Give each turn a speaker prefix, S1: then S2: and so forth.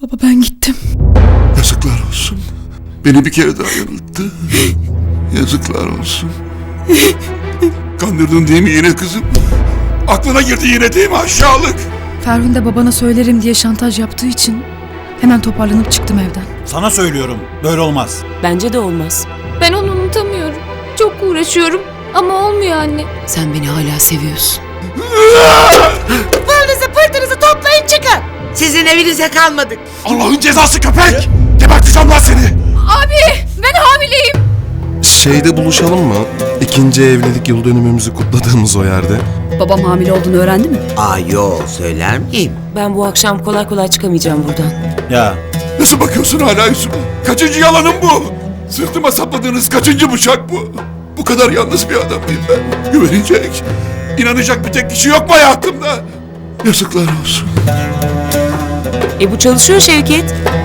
S1: Baba ben gittim.
S2: Yazıklar olsun. Beni bir kere daha yanılttı. Yazıklar olsun. Kandırdın değil mi yine kızım? Aklına girdi yine değil mi aşağılık?
S1: Ferhunde babana söylerim diye şantaj yaptığı için hemen toparlanıp çıktım evden.
S3: Sana söylüyorum, böyle olmaz.
S4: Bence de olmaz.
S5: Ben onu unutamıyorum. Çok uğraşıyorum ama olmuyor anne.
S4: Sen beni hala seviyorsun.
S6: Pılınızı pırtınızı toplayın çıkın. Sizin evinize kalmadık.
S2: Allah'ın cezası köpek! Geberteceğim lan seni!
S5: Abi ben hamileyim.
S7: Şeyde buluşalım mı? İkinci evlilik yıl dönümümüzü kutladığımız o yerde.
S1: Babam hamile olduğunu öğrendi mi?
S6: Yo söyler miyim?
S4: Ben bu akşam kolay kolay çıkamayacağım buradan.
S3: Ya,
S2: Nasıl bakıyorsun hala yüzüme? Kaçıncı yalanım bu? Sırtıma sapladığınız kaçıncı bıçak bu? Bu kadar yalnız bir adam mıyım ben? Güvenecek, inanacak bir tek kişi yok mu hayatımda? Yazıklar olsun.
S4: Bu çalışıyor Şevket.